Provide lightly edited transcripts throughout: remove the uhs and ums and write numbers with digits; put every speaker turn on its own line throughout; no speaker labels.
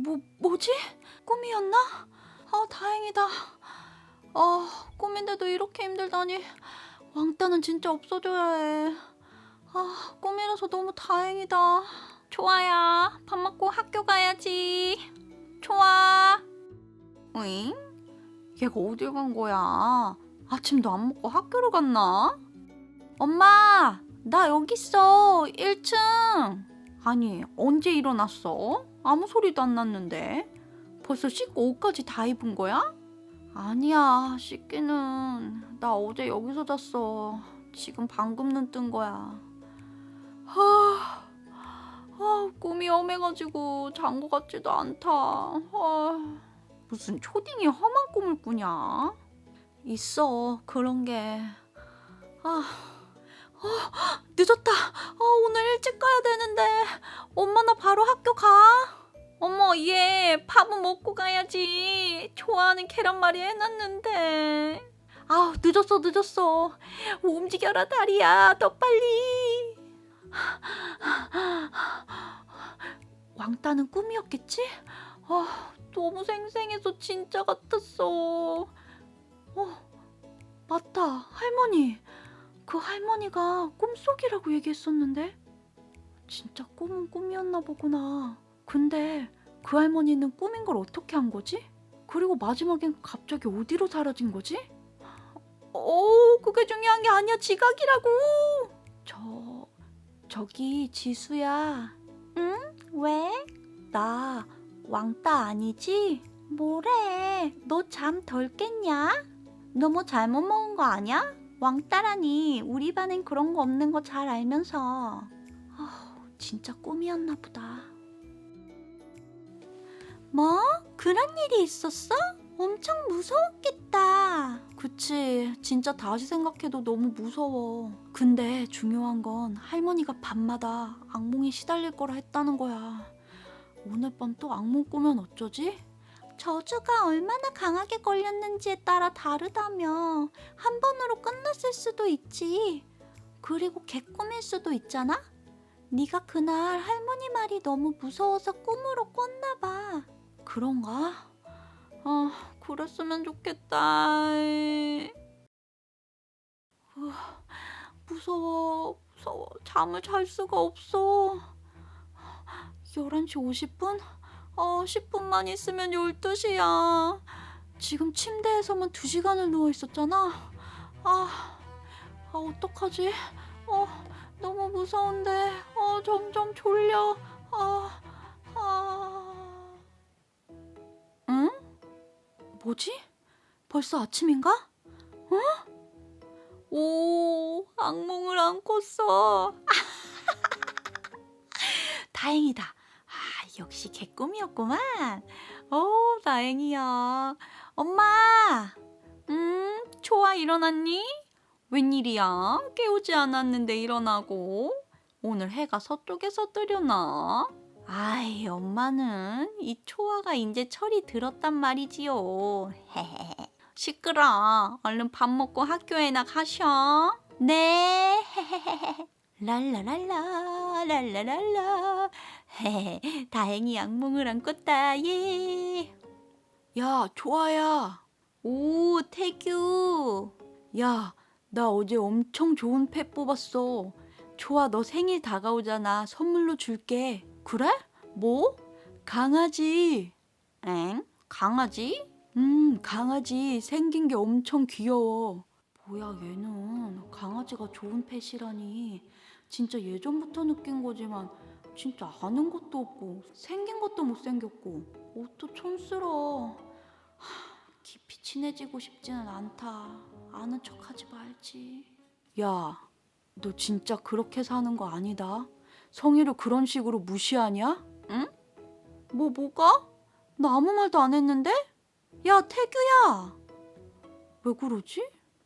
뭐지? 꿈이었나? 다행이다. 꿈인데도 이렇게 힘들다니. 왕따는 진짜 없어져야 해. 꿈이라서 너무 다행이다. 초아야, 밥 먹고 학교 가야지. 초아. 응? 얘가 어딜 간 거야? 아침도 안 먹고 학교를 갔나? 엄마, 나 여기 있어. 1층. 아니, 언제 일어났어? 아무 소리도 안 났는데. 벌써 씻고 옷까지 다 입은 거야? 아니야, 씻기는. 나 어제 여기서 잤어. 지금 방금 눈 뜬 거야. 꿈이 험해가지고 잔 거 같지도 않다. 무슨 초딩이 험한 꿈을 꾸냐? 있어, 그런 게. 늦었다. 오늘 일찍 가야 되는데. 엄마, 나 바로 학교 가. 어머, 얘 밥은 먹고 가야지. 좋아하는 계란말이 해놨는데. 늦었어. 움직여라, 다리야. 더 빨리. 왕따는 꿈이었겠지? 너무 생생해서 진짜 같았어. 맞다, 할머니. 그 할머니가 꿈속이라고 얘기했었는데. 진짜 꿈은 꿈이었나 보구나. 근데 그 할머니는 꿈인 걸 어떻게 한 거지? 그리고 마지막엔 갑자기 어디로 사라진 거지? 그게 중요한 게 아니야. 지각이라고. 저기 지수야. 응? 왜? 나 왕따 아니지? 뭐래? 너 잠 덜 깼냐? 너 뭐 잘못 먹은 거 아니야? 왕따라니. 우리 반엔 그런 거 없는 거 잘 알면서. 진짜 꿈이었나 보다. 뭐? 그런 일이 있었어? 엄청 무서웠겠다. 그치, 진짜 다시 생각해도 너무 무서워. 근데 중요한 건 할머니가 밤마다 악몽에 시달릴 거라 했다는 거야. 오늘 밤 또 악몽 꾸면 어쩌지? 저주가 얼마나 강하게 걸렸는지에 따라 다르다며. 한 번으로 끝났을 수도 있지. 그리고 개꿈일 수도 있잖아? 네가 그날 할머니 말이 너무 무서워서 꿈으로 꿨나 봐. 그런가? 그랬으면 좋겠다. 무서워. 잠을 잘 수가 없어. 11시 50분? 10분만 있으면 12시야. 지금 침대에서만 2시간을 누워있었잖아. 어떡하지? 너무 무서운데. 점점 졸려. 응? 뭐지? 벌써 아침인가? 오, 악몽을 안 꿨어. 다행이다. 역시 개꿈이었구만. 다행이야. 엄마! 초아 일어났니? 웬일이야? 깨우지 않았는데 일어나고. 오늘 해가 서쪽에서 뜨려나? 엄마는 이 초아가 이제 철이 들었단 말이지요. 시끄러. 얼른 밥 먹고 학교에나 가셔. 네. 랄라랄라 랄라랄라. 다행히 악몽을 안 꿨다. 예. 야, 초아야. 오, 태규. 야, 나 어제 엄청 좋은 펫 뽑았어. 초아, 너 생일 다가오잖아. 선물로 줄게. 그래? 뭐? 강아지. 엥? 강아지? 강아지 생긴 게 엄청 귀여워. 뭐야, 얘는 강아지가 좋은 펫이라니. 진짜 예전부터 느낀 거지만 진짜 아는 것도 없고 생긴 것도 못생겼고 옷도 촌스러워. 깊이 친해지고 싶지는 않다. 아는 척하지 말지. 야, 너 진짜 그렇게 사는 거 아니다. 성희를 그런 식으로 무시하냐? 응? 뭐가? 나 아무 말도 안 했는데? 야, 태규야. 왜 그러지?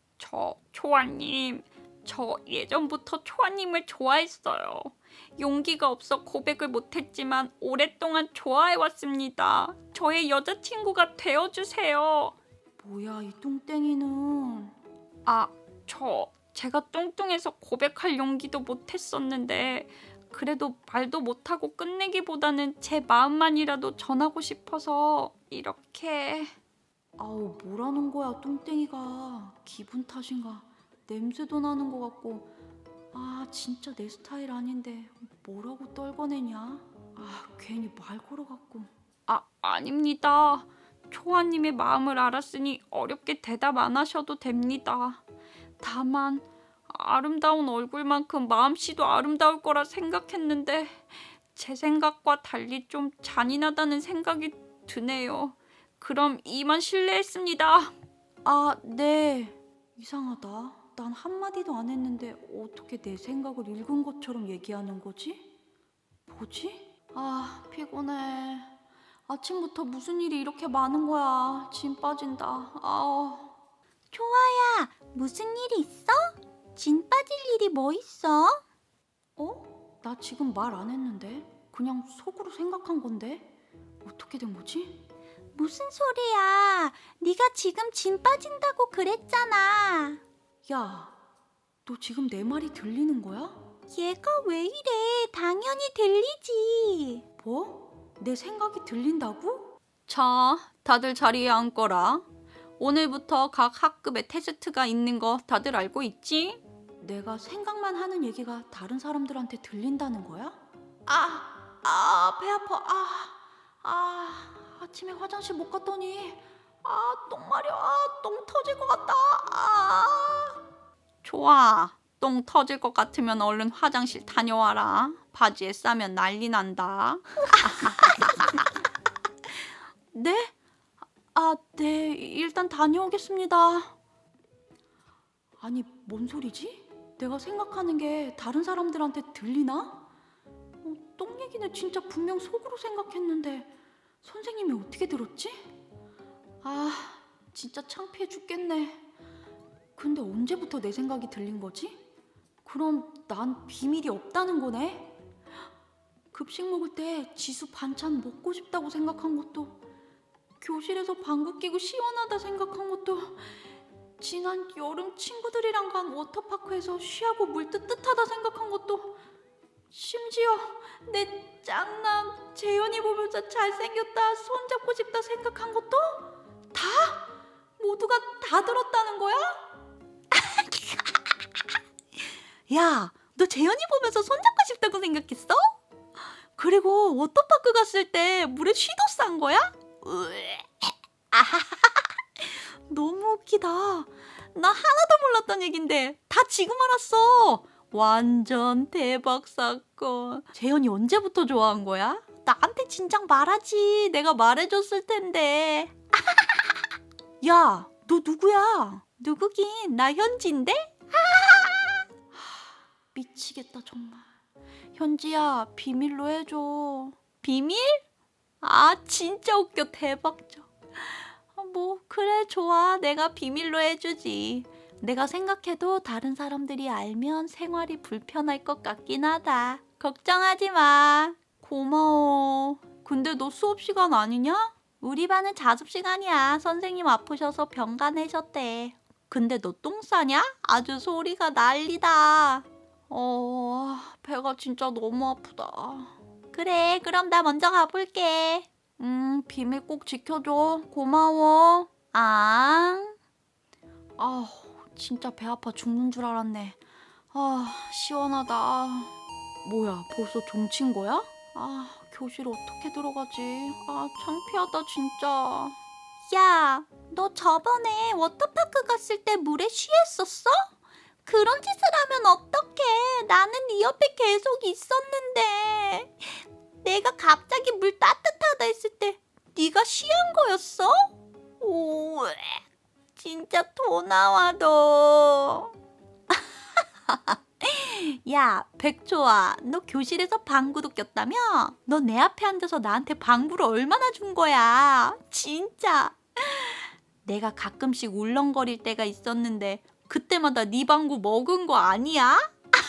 초아님, 저 예전부터 초아님을 좋아했어요. 용기가 없어 고백을 못했지만 오랫동안 좋아해왔습니다. 저의 여자친구가 되어주세요.
뭐야, 이 뚱땡이는.
제가 뚱뚱해서 고백할 용기도 못했었는데 그래도 말도 못하고 끝내기보다는 제 마음만이라도 전하고 싶어서 이렇게.
아우, 뭐라는 거야, 뚱땡이가. 기분 탓인가? 냄새도 나는 것 같고. 아, 진짜 내 스타일 아닌데 뭐라고 떨궈내냐? 아, 괜히 말 걸어갖고.
아닙니다. 초아님의 마음을 알았으니 어렵게 대답 안 하셔도 됩니다. 다만 아름다운 얼굴만큼 마음씨도 아름다울 거라 생각했는데 제 생각과 달리 좀 잔인하다는 생각이 드네요. 그럼 이만 실례했습니다.
아, 네. 이상하다. 난 한마디도 안 했는데 어떻게 내 생각을 읽은 것처럼 얘기하는 거지? 뭐지? 아, 피곤해. 아침부터 무슨 일이 이렇게 많은 거야. 진 빠진다. 아우. 초아야, 무슨 일이 있어? 진 빠질 일이 뭐 있어? 어? 나 지금 말 안 했는데? 그냥 속으로 생각한 건데? 어떻게 된 거지? 무슨 소리야? 네가 지금 진 빠진다고 그랬잖아. 야, 너 지금 내 말이 들리는 거야? 얘가 왜 이래? 당연히 들리지. 뭐? 내 생각이 들린다고?
자, 다들 자리에 앉거라. 오늘부터 각 학급에 테스트가 있는 거 다들 알고 있지?
내가 생각만 하는 얘기가 다른 사람들한테 들린다는 거야? 배 아파. 아침에 화장실 못 갔더니 똥 마려. 똥 터질 것 같다.
좋아. 똥 터질 것 같으면 얼른 화장실 다녀와라. 바지에 싸면 난리 난다.
네? 네. 일단 다녀오겠습니다. 아니, 뭔 소리지? 내가 생각하는 게 다른 사람들한테 들리나? 똥 얘기는 진짜 분명 속으로 생각했는데 선생님이 어떻게 들었지? 진짜 창피해 죽겠네. 근데 언제부터 내 생각이 들린 거지? 그럼 난 비밀이 없다는 거네? 급식 먹을 때 지수 반찬 먹고 싶다고 생각한 것도, 교실에서 방구 끼고 시원하다 생각한 것도, 지난 여름 친구들이랑 간 워터파크에서 쉬하고 물 뜨뜻하다 생각한 것도, 심지어 내 짱남 재현이 보면서 잘생겼다, 손잡고 싶다 생각한 것도 모두가 다 들었다는 거야? 야, 너 재현이 보면서 손잡고 싶다고 생각했어? 그리고 워터파크 갔을 때 물에 쉬도 싼 거야? 너무 웃기다. 나 하나도 몰랐던 얘긴데 다 지금 알았어. 완전 대박 사건. 재현이 언제부터 좋아한 거야? 나한테 진작 말하지. 내가 말해줬을 텐데. 야, 너 누구야? 누구긴, 나 현지인데? 미치겠다 정말. 현지야, 비밀로 해줘. 비밀? 진짜 웃겨. 대박적. 뭐 그래, 좋아. 내가 비밀로 해주지. 내가 생각해도 다른 사람들이 알면 생활이 불편할 것 같긴 하다. 걱정하지 마. 고마워. 근데 너 수업 시간 아니냐? 우리 반은 자습 시간이야. 선생님 아프셔서 병가 내셨대. 근데 너 똥 싸냐? 아주 소리가 난리다. 배가 진짜 너무 아프다. 그래, 그럼 나 먼저 가볼게. 비밀 꼭 지켜줘. 고마워. 진짜 배 아파 죽는 줄 알았네. 시원하다. 뭐야, 벌써 종친 거야? 교실 어떻게 들어가지? 창피하다 진짜. 야, 너 저번에 워터파크 갔을 때 물에 쉬했었어? 그런 짓을 하면 어떡해. 나는 네 옆에 계속 있었는데. 내가 갑자기 물 따뜻하다 했을 때 네가 쉬한 거였어? 오, 진짜 토 나와 너. 야, 백조아, 너 교실에서 방구도 꼈다며? 너 내 앞에 앉아서 나한테 방구를 얼마나 준 거야? 진짜. 내가 가끔씩 울렁거릴 때가 있었는데 그때마다 네 방구 먹은 거 아니야?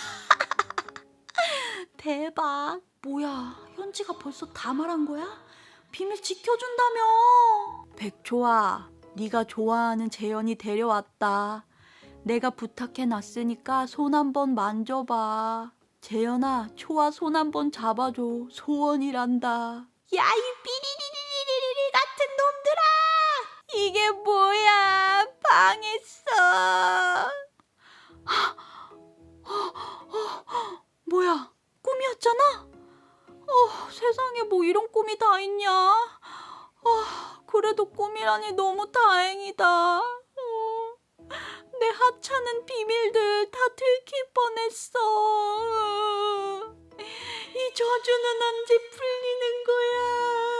대박. 뭐야, 현지가 벌써 다 말한 거야? 비밀 지켜준다며. 백조아, 네가 좋아하는 재현이 데려왔다. 내가 부탁해놨으니까 손 한번 만져봐. 재현아, 초아 손 한번 잡아줘. 소원이란다. 야, 이 삐리리리리리 같은 놈들아! 이게 뭐야? 방했어. 뭐야? 꿈이었잖아? 세상에 뭐 이런 꿈이 다 있냐? 그래도 꿈이라니 너무 다행이다. 내 하찮은 비밀들 다 들킬 뻔했어. 이 저주는 언제 풀리는 거야?